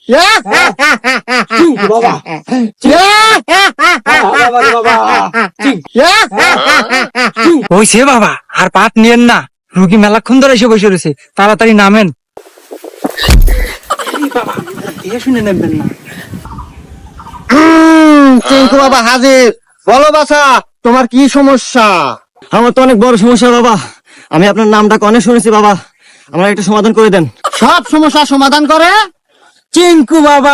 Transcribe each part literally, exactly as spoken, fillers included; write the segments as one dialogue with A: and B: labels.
A: বাবা
B: হইছে বাবা, আর পাত নিয়েন না, রুগী মেলাক্ষণ ধরে এসে বসে রয়েছে, তাড়াতাড়ি নামেন। বাবা শুনে নেবেন না।
C: চিঙ্কু বাবা হাজির। বলো বাছা, তোমার কি সমস্যা? আমার তো অনেক বড় সমস্যা বাবা, আমি আপনার নামটা অনেক শুনেছি বাবা, আমার একটা সমাধান করে দেন। সব সমস্যা সমাধান করে
B: চিঙ্কু বাবা।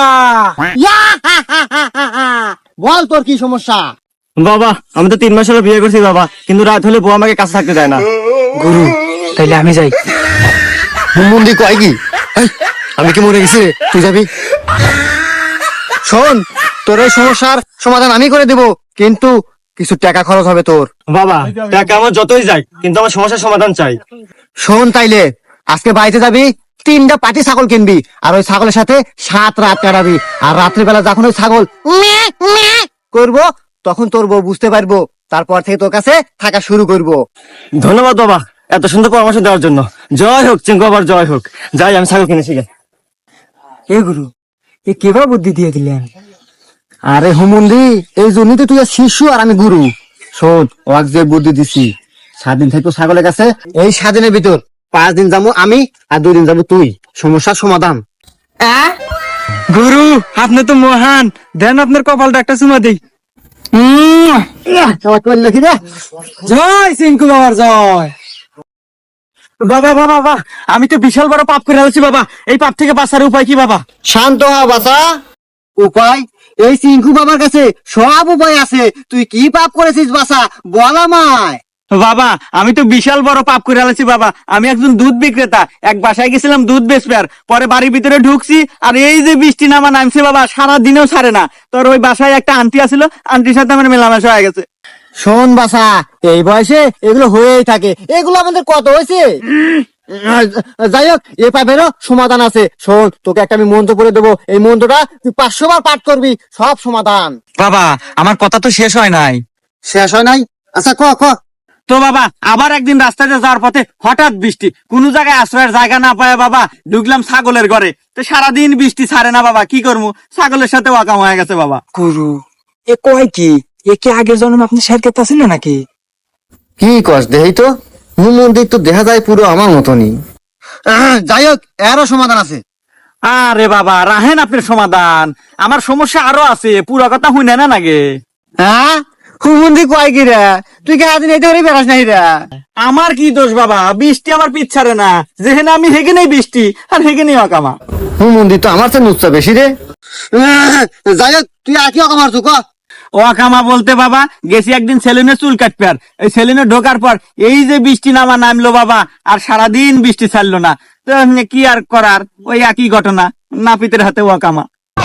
C: বল তোর কি সমস্যা? বাবা আমি তো তিন মাস হলো বিয়ে করছি বাবা, কিন্তু রাত হলে বউ আমাকে কাছে থাকতে দেয় না।
B: গুরু তাইলে আমি যাই।
C: মন্দি কয় কি আমি কি মরে গেছি রে, তুই যাবি? শোন, তোর এই সমস্যার সমাধান আমি করে দেব, কিন্তু কিছু টাকা খরচ হবে তোর। বাবা টাকা আমার যতই যাই, কিন্তু আমার সমস্যার সমাধান চাই। শোন তাইলে, আজকে বাড়িতে যাবি, তিনটা পাটি ছাগল কিনবি, আর ওই ছাগলের সাথে সাত রাত কাটাবি, আর রাত্রিবেলা যখন ওই ছাগল ম্যাঁ ম্যাঁ করবো, তখন তোর বউ বুঝতে পারবো, তারপর থেকে তোর কাছে থাকা শুরু করবো। ধন্যবাদ বাবা এত সুন্দর পরামর্শ দেওয়ার জন্য। জয় হোক চিঙ্কু বাবার, জয় হোক। যাই আমি ছাগল কিনেছি গে।
B: এ গুরু, এ কিভাবে বুদ্ধি দিয়ে দিলেন?
C: আরে হুমুন্দি, এই জন্যই তো তুই আর শিশু আর আমি গুরু। শোন, ওয়াক যে বুদ্ধি দিছি, সাত দিন থাকবো ছাগলের কাছে, এই সাত দিনের ভিতর পাঁচ দিন যাবো আমি, আর দুই দিন যাবো তুই। সমস্যার সমাধান।
B: গুরু আপনি তো মহান, দেন আপনার কপালটা একটা চুমা দেই। জয় চিঙ্কু বাবার জয়। বাবা বাবা বাবা, আমি তো বিশাল বড় পাপ করে আছি বাবা, এই পাপ থেকে বাঁচার উপায় কি বাবা?
C: শান্ত হ বাছা। উপায়? এই চিঙ্কু বাবার কাছে সব উপায় আছে। তুই কি পাপ করেছিস বাছা, বল আমায়।
B: বাবা আমি তো বিশাল বড় পাপ করে আছি বাবা, আমি একজন দুধ বিক্রেতা, এক বাসায় গেছিলাম দুধ বেচবার, পরে বাড়ির ভিতরে ঢুকছি, আর এই যে বৃষ্টি নামা নামছে বাবা, সারা দিনেও ছাড়ে না। তোর ওই বাসায় একটা আন্টি আছিল, আন্টির সাথে আমার মেলামেশা হয়ে গেছে।
C: শোন বাছা, এই বয়সে এগুলো হয়েই থাকে, এগুলো আমাদের কত হয়েছে। যাই হোক, এ পাপেরও সমাধান আছে। শোন, তোকে একটা আমি মন্ত্র করে দেবো, এই মন্ত্রটা তুই পাঁচশো বার পাঠ করবি, সব সমাধান।
B: বাবা আমার কথা তো শেষ হয় নাই।
C: শেষ হয় নাই? আচ্ছা ক ক।
B: তো বাবা আবার একদিন রাস্তাতে যাওয়ার পথে হঠাৎ বৃষ্টি, কোন জায়গায় আশ্রয়ের জায়গা না পায় বাবা, ঢুকলাম ছাগলের ঘরে, তো সারাদিন বৃষ্টি ছাড়ে না বাবা, কি করবো, ছাগলের সাথে ওয়াকাম হয়ে গেছে বাবা। গুরু এ কয় কি, এ কি আগের জন্ম আপনি শেয়ার করতে ছিল নাকি?
C: কি কস দেই তো, মন্দির তো দেখা যায় পুরো আমার মতনই। যাই হোক, এরও সমাধান আছে।
B: আরে বাবা রাহেন আপনার সমাধান, আমার সমস্যা আরো আছে, পুরো কথা হুই না নাগে।
C: হ্যাঁ হুমন্দি কয় কি রে, তুই কে আদিন এইতে বেড়াস নাই রে?
B: আমার কি দোষ বাবা, বৃষ্টি আমার পিছারে না, যেখানে আমি হেগে নেই বৃষ্টি, আর হেগে নেই অকামা।
C: হুমন্দি তো আমার চেয়ে নুচ্ছা বেশি রে। যাই হোক, তুই আর কি অকামার তুই ক।
B: ওয়াকামা বলতে বাবা, গেছি একদিন সেলুনে চুল কাটবে, আর এই সেলুনে ঢোকার পর এই যে বৃষ্টি নামা নামলো বাবা, আর সারাদিন বৃষ্টি ছাড়লো না, তো কি আর করার, ওই একই ঘটনা, নাপিতের হাতে ওয়াকামা।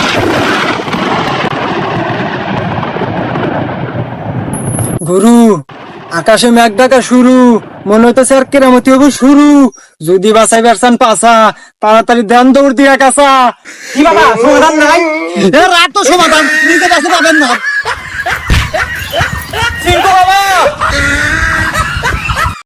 B: গুরু আকাশে মেঘ ডাকা শুরু, মনে হইতেছে আর কেরামতি হবো শুরু, যদি বাসাই বেরসান পাসা, তাড়াতাড়ি ধ্যান দৌড় দিয়া কাছা। কি বাবা সমাধান নাই?
C: রাত তো সমাধান নিজে কাছে পাবেন না।
B: চিঙ্কু বাবা